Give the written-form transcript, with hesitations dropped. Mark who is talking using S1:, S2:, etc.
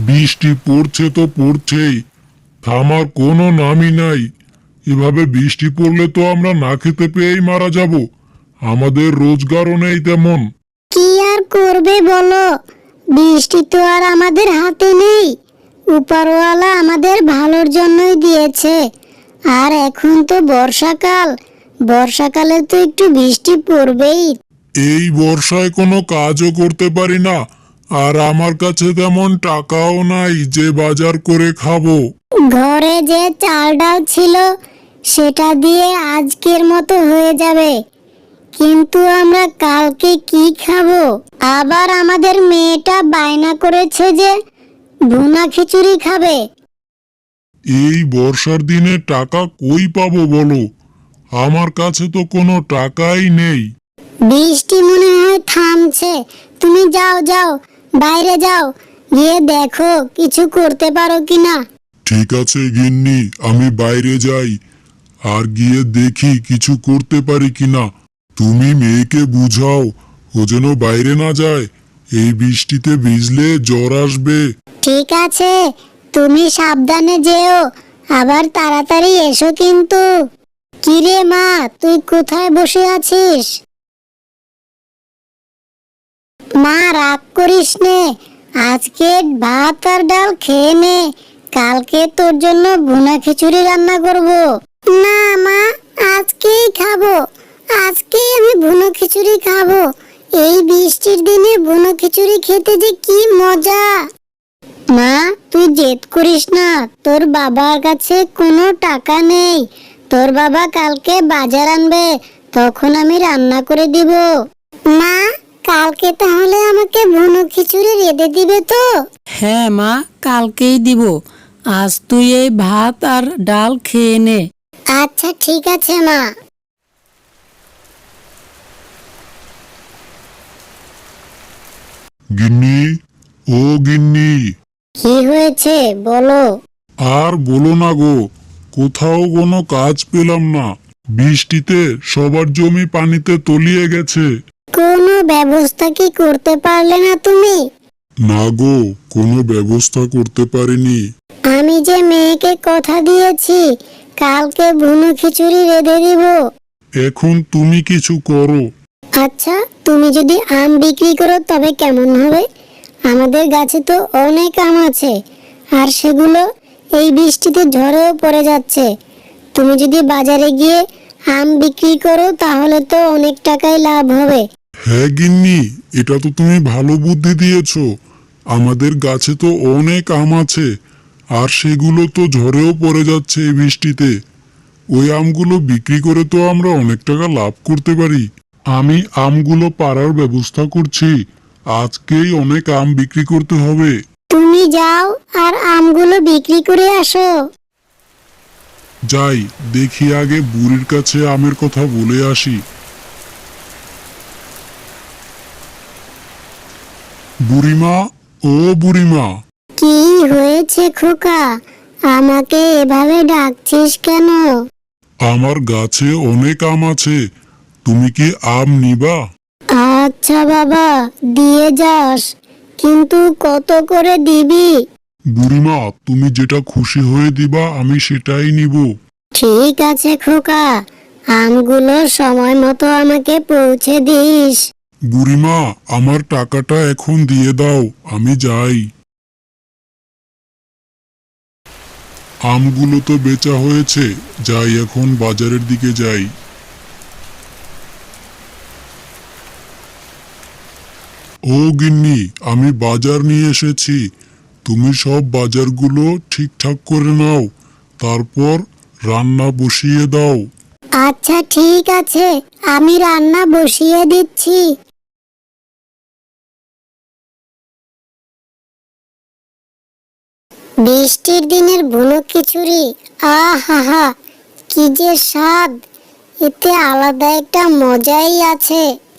S1: বৃষ্টি পড়ছে তো পড়ছেই, থামার কোনো নামই নাই। এভাবে বৃষ্টি পড়লে তো আমরা না খেতে পেয়েই মারা যাব। আমাদের রোজগারও নেই তেমন।
S2: কি আর করবে বলো, বৃষ্টি তো আর আমাদের হাতে নেই। উপরওয়ালা আমাদের ভালোর জন্যই দিয়েছে। আর এখন তো বর্ষাকাল, বর্ষাকালে তো একটু বৃষ্টি পড়বেই।
S1: এই বর্ষায় কোনো কাজও করতে পারি না, আর আমার কাছে তেমন টাকাও নাই যে বাজার করে খাবো।
S2: ঘরে যে চাল ডাল ছিল সেটা দিয়ে আজকের মতো হয়ে যাবে, কিন্তু আমরা কালকে কি খাবো? আবার আমাদের মেয়েটা বায়না করেছে যে ভুনা খিচুড়ি খাবে।
S1: এই বর্ষার দিনে টাকা কই পাবো বলো? আমার কাছে তো কোনো টাকাই নেই।
S2: বৃষ্টি মনে হয় থামছে, তুমি যাও যাও, বাইরে যাও, গিয়ে দেখো কিছু করতে পারো কিনা।
S1: ঠিক আছে গিন্নি, আমি বাইরে যাই আর গিয়ে দেখি কিছু করতে পারি কিনা। তুমি মেয়েকে বুঝাও ও যেন বাইরে না যায়, এই বৃষ্টিতে ভিজলে জ্বর আসবে।
S2: ঠিক আছে, তুমি সাবধানে যেও, আবার তাড়াতাড়ি এসো কিন্তু। কিরে মা, তুই কোথায় বসে আছিস? মা রাগ করিস নে, আজকে ভাত আর ডাল খেয়ে নে, কালকে তোর জন্য ভুনা খিচুড়ি রান্না করব। না মা, আজকেই খাবো, আজকেই আমি ভুনা খিচুড়ি খাবো। এই বৃষ্টির দিনে ভুনা খিচুড়ি খেতে যে কি মজা। মা, তুই জেদ করিস না, তোর বাবার কাছে কোনো টাকা নেই। তোর বাবা কালকে বাজার আনবে, তখন আমি রান্না করে দিব। মা, কালকে তাহলে আমাকে ভুনো খিচুড়ি রেঁধে দিবে তো?
S3: হ্যাঁ মা, কালকেই দিব। আজ তুই এই ভাত আর ডাল খেয়ে নে।
S2: আচ্ছা ঠিক আছে মা।
S1: গিন্নি, ও গিন্নি।
S2: কি হয়েছে বলো?
S1: আর বলো না গো, কোথাও কোনো কাজ পেলাম না। বৃষ্টিতে সবার জমি পানিতে তলিয়ে গেছে।
S2: কোনো ব্যবস্থা কি করতে পারলে না তুমি?
S1: না গো, কোনো ব্যবস্থা করতে পারিনি।
S2: আমি যে মেয়েকে কথা দিয়েছি কালকে ভুনো খিচুড়ি রেঁধে দিব।
S1: এখন তুমি কিছু করো।
S2: আচ্ছা, তুমি যদি আম বিক্রি করো তবে কেমন হবে? আমাদের গাছে তো অনেক আম আছে, আর সেগুলো এই বৃষ্টিতে ঝড়েও পড়ে যাচ্ছে। তুমি যদি বাজারে গিয়ে আম বিক্রি করো তাহলে তো অনেক টাকাই লাভ হবে।
S1: হ্যাঁ গিন্নি, এটা তো তুমি ভালো বুদ্ধি দিয়েছো। আমাদের গাছে তো অনেক আম আছে, আর সেগুলো তো ঝড়েও পড়ে যাচ্ছে এই বৃষ্টিতে। ওই আমগুলো বিক্রি করে তো আমরা অনেক টাকা লাভ করতে পারি। আমি আমগুলো পাড়ার ব্যবস্থা করছি, আজকেই অনেক আম বিক্রি করতে হবে।
S2: তুমি যাও আর আমগুলো বিক্রি করে আসো।
S1: যাই, দেখি আগে বুড়ির কাছে আমের কথা বলে আসি। বুড়িমা, ও বুড়িমা।
S2: কি হয়েছে খোকা, আমাকে এভাবে ডাকছিস কেন?
S1: আমার গাছে অনেক আম আছে, তুমি কি আম নিবা?
S2: আচ্ছা বাবা, দিয়ে যাস, কিন্তু কত করে দিবি?
S1: বুড়িমা, তুমি যেটা খুশি হয়ে দিবা আমি সেটাই নিব।
S2: ঠিক আছে খোকা, আমগুলো সময় মতো আমাকে পৌঁছে দিস।
S1: বুড়িমা, আমার টাকাটা এখন দিয়ে দাও, আমি যাই। আমগুলো তো বেচা হয়েছে, যাই এখন বাজারের দিকে যাই। ও গিন্নি, আমি বাজার নিয়ে এসেছি। তুমি সব বাজারগুলো ঠিকঠাক করে নাও, তারপর রান্না বসিয়ে দাও।
S2: আচ্ছা ঠিক আছে, আমি রান্না বসিয়ে দিচ্ছি। বৃষ্টির দিনের ভুনো খিচুড়ি, আহা, কি যে স্বাদ! এতে আলাদা একটা মজাই আছে।